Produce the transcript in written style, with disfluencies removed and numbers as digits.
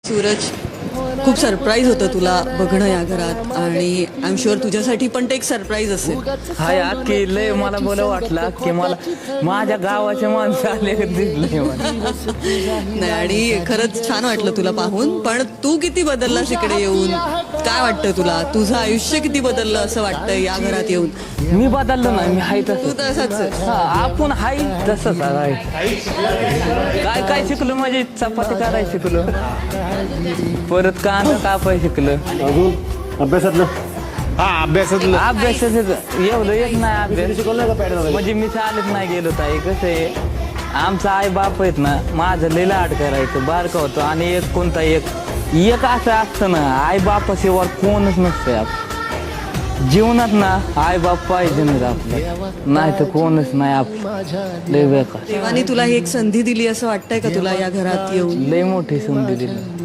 सूरज, खूप सरप्राईज होतं तुला बघणं या घरात आणि आय एम शुअर तुझ्यासाठी पण ते एक सरप्राईज असेल. हाय की लय मला बोला वाटला की मला माझ्या गावाचे माणसं आले दिसले मला. नाही, आणि खरंच छान वाटलं तुला पाहून. पण तू किती बदललास इकडे येऊन? काय वाटतं तुला? तुझं आयुष्य किती बदललं असं वाटतं या घरात येऊन? मी बदललो नाही, मी हाय तू तसं. तसाच आहे. आपण हाय तसंच आहे. काय काय शिकलो, माझी चपाती करायला शिकलो, परत कांदा कापाय शिकलो. अजून अभ्यासातलं अभ्यासातलं अभ्यासाचं एवढं येत नाही अभ्यास. शिकवलं नाही का पॅटर्न? म्हणजे मी चालत नाही गेलो ताई. कसं आहे, आमचा आई बाप आहेत ना, माझं लय लाड करायचं, बारका होतो. आणि एक कोणता एक असं असतं ना, आई बापाशिवाय कोणच नसतंय. आप जीवनात ना आई बाप पाहिजे नाही आपलं, नाही तर कोणच नाही. आप लय बेकार. देवाने तुला ही एक संधी दिली असं वाटतंय का तुला या घरात येऊन? लय मोठी संधी दिली.